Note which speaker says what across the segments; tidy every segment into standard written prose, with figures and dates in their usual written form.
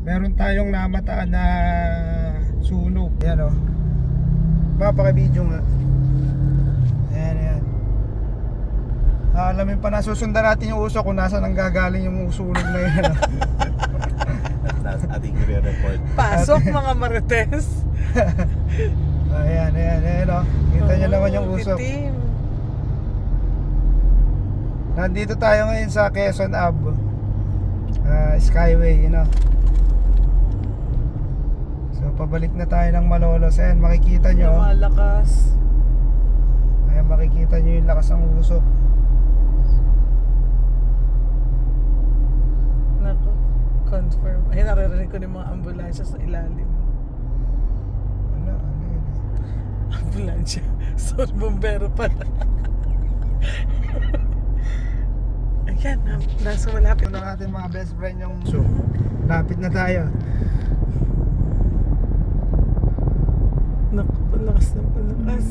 Speaker 1: meron tayong namataan na sunog. Ayan o, papaka-video nga. Ayan, ayan. Alamin pa na, susundan natin yung usok kung nasa nang gagaling yung sunog na yan.
Speaker 2: Ating i-report.
Speaker 3: Pasok mga marites.
Speaker 1: Ayan, ayan, ayan o. Kita nyo naman yung usok.
Speaker 3: Itim.
Speaker 1: Nandito tayo ngayon sa Quezon Ave, Skyway, you know. So pabalik na tayo ng Malolos. Ayan, makikita nyo.
Speaker 3: Lumalakas.
Speaker 1: Ayan, makikita nyo yung lakas ng usok.
Speaker 3: Naku, confirm. Ay, naririnig ko ng mga ambulansya sa ilalim.
Speaker 1: Ano yun?
Speaker 3: Ambulansya. Sorry, bombero pala. Ayan, nasa malapit.
Speaker 1: Ito na natin mga best friend yung usok. Lapit na tayo.
Speaker 3: Naku, palakas ng palakas.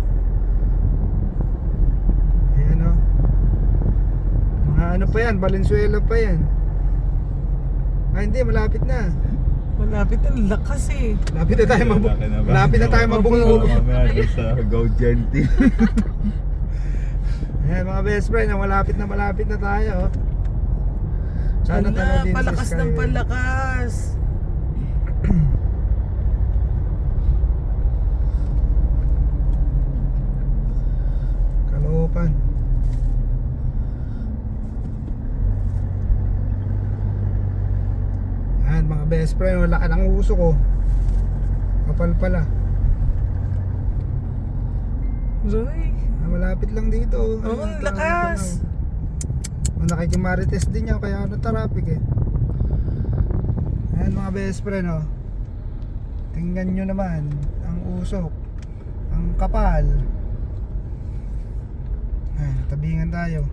Speaker 1: Ayan o. Mga ano pa yan, Valenzuela pa yan. Ah, hindi, malapit na.
Speaker 3: Malapit ang lakas eh.
Speaker 1: Malapit na tayo malapit na tayo mabunggo.
Speaker 2: Mamaya doon sa Go Genty.
Speaker 1: Ayan mga best friend, malapit na tayo. Sana
Speaker 3: Ala,
Speaker 1: tala din
Speaker 3: palakas
Speaker 1: sa
Speaker 3: ng
Speaker 1: Skyway.
Speaker 3: palakas.
Speaker 1: Kaloocan. Ayan mga best friend, wala ka ng uso ko. Kapal pala.
Speaker 3: Roy.
Speaker 1: Malapit lang dito.
Speaker 3: Oo, ang lakas.
Speaker 1: Nakikimarites din yan, kaya ano traffic eh. Ayan mga best friend oh. Tingnan nyo naman ang usok, ang kapal. Ayan, tabingan tayo.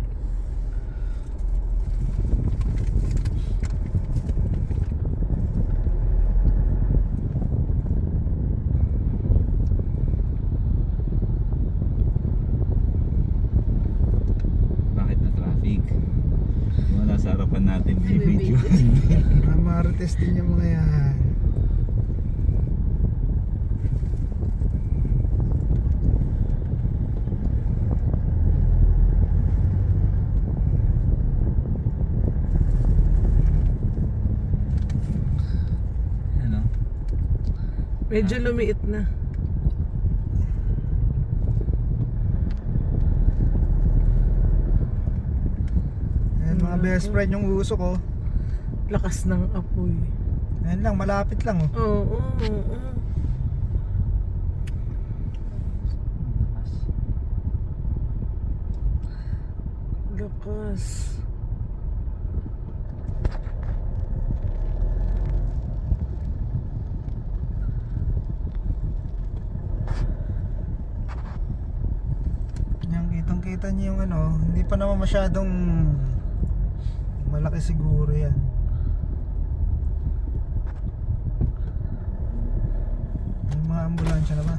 Speaker 2: Bakit na traffic? Mga nasa harapan natin yung video.
Speaker 1: Marites din yung mga yan.
Speaker 2: Ano?
Speaker 3: Medyo lumiit na.
Speaker 1: Ayan mga best friend yung usok oh.
Speaker 3: Lakas ng apoy.
Speaker 1: Ayan lang, malapit lang oh.
Speaker 3: Oo, oo, oo. Lakas.
Speaker 1: Yan, kitang kita niyo yung ano, hindi pa naman masyadong malaki siguro yan. May mga ambulansya na ba?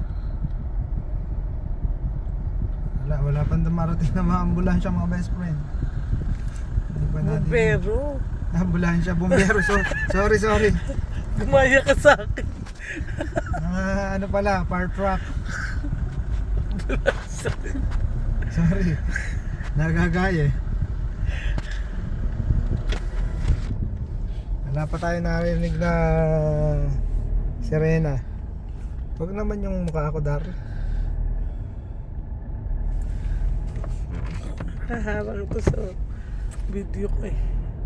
Speaker 1: Wala pang dumarating na mga ambulansya mga best friend. Hindi pa natin.
Speaker 3: Bombero.
Speaker 1: Ambulansya, bumbero. Sorry.
Speaker 3: Gumaya ka sa akin.
Speaker 1: Ano pala, fire truck. Sorry. Nagagaya eh. Wala pa tayo narinig na sirena. Huwag naman yung mukha ko, Dar.
Speaker 3: Haharang ko sa video ko eh.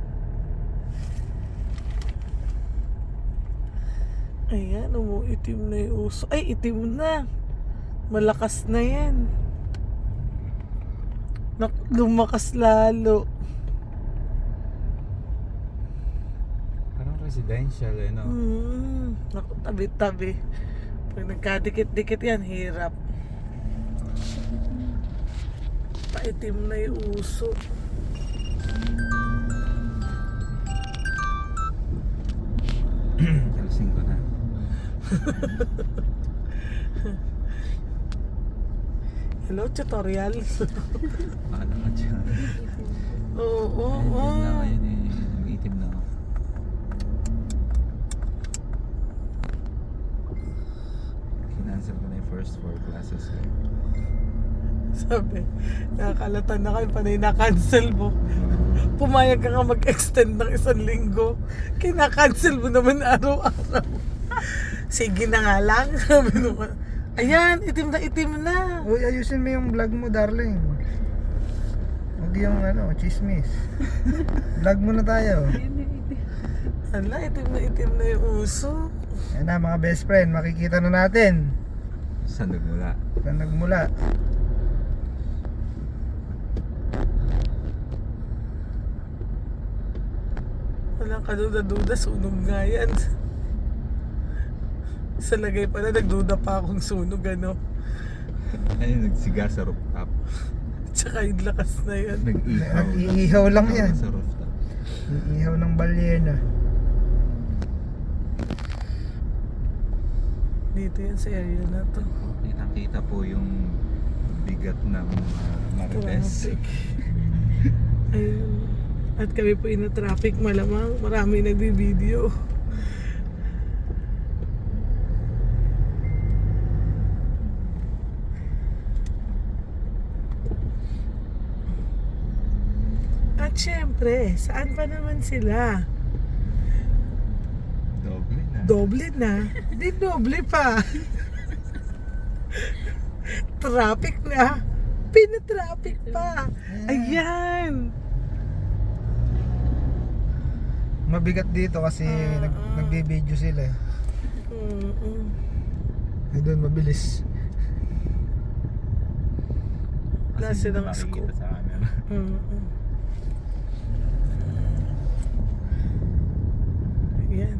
Speaker 3: Ayan, umuitim na yung uso. Ay, itim na. Malakas na yan. Lumakas lalo.
Speaker 2: Parang residential eh, no?
Speaker 3: Naku, tabi-tabi. Pag nagkadikit-dikit yan, hirap. Paitim na yung uso.
Speaker 2: Alasing ko na.
Speaker 3: Hello, tutorial.
Speaker 2: Paano ka dyan?
Speaker 3: Oo, oo,
Speaker 2: Ayun na
Speaker 3: oo.
Speaker 2: ngayon eh. Nag-itim na ako. Asos ko.
Speaker 3: Sabi, nakakalatan na kayo, panay na-cancel mo. Pumayag ka nga mag-extend ng 1 linggo. Kina-cancel mo naman araw-araw. Sige na nga lang. Sabi naman, ayan, itim na itim na.
Speaker 1: Uy, ayusin mo yung vlog mo, darling. Huwag yung chismis. Vlog mo na tayo.
Speaker 3: Ala, itim na yung uso.
Speaker 1: Ayan na mga best friend, makikita na natin
Speaker 2: Saan nagmula?
Speaker 1: saan nagmula.
Speaker 3: Walang kaduda-duda, sunog nga yan. Sa lagay pala, nagduda pa akong sunog, ano.
Speaker 2: Ayun, nagsiga sa rooftop.
Speaker 3: Tsaka yung lakas na yan.
Speaker 2: Nag-ihaw.
Speaker 1: Nag-iihaw lang yan.
Speaker 2: Sa rooftop.
Speaker 1: Iihaw ng balyena.
Speaker 3: Dito yan sa area na to.
Speaker 2: Kitang-kita po yung bigat ng Marites.
Speaker 3: Traffic. Ayun. At kami po ina-traffic, malamang marami nagbi-video. At syempre, saan pa naman sila?
Speaker 2: Doble na.
Speaker 3: Doble na. Di doble pa. Traffic na. Pina-traffic pa. Ayan.
Speaker 1: Mabigat dito kasi nagbe-video sila. Ay doon mabilis.
Speaker 3: Wala
Speaker 2: Kasi
Speaker 3: silang
Speaker 2: hindi
Speaker 3: scope.
Speaker 2: makikita sa camera.
Speaker 3: Ayan.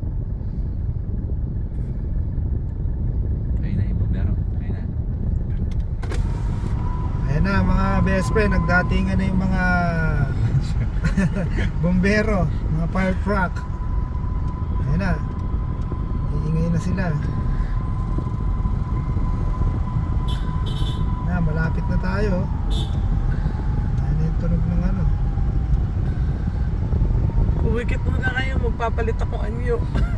Speaker 2: Kaya na yung bombero. Kaya na.
Speaker 1: Ayan na mga best friend, nagdatingan na yung mga bombero, mga fire truck. Ayan na. Iingay na sila. Na, malapit na tayo. Ayan na yung tunog ng
Speaker 3: Kumikit muna kayo, magpapalit ako anyo.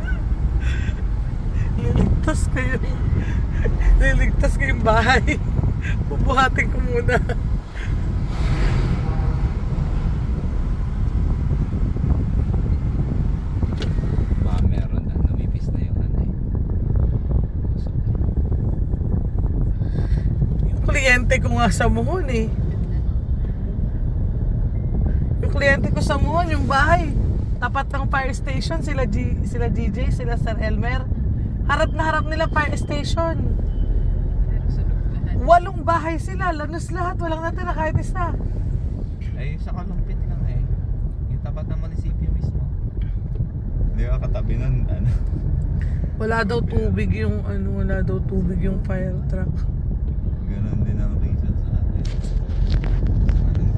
Speaker 3: Liligtas kayo. Liligtas kayong bahay. Bubuhatin ko muna.
Speaker 2: Baka meron na. Lumipis na yung ano eh.
Speaker 3: Yung kliyente ko nga sa Muhon eh. Yung kliyente ko sa Muhon, yung bahay. Tapat ng fire station, sila DJ, sila Sir Elmer. Harap na harap nila fire station. 8 bahay sila, lanos lahat, walang natira kahit isa.
Speaker 2: Ay, sa kalumpit lang eh. Yung tapat ng munisipyo mismo. Hindi ka katabi nun, ano.
Speaker 3: Wala daw tubig yung fire truck.
Speaker 2: Ganun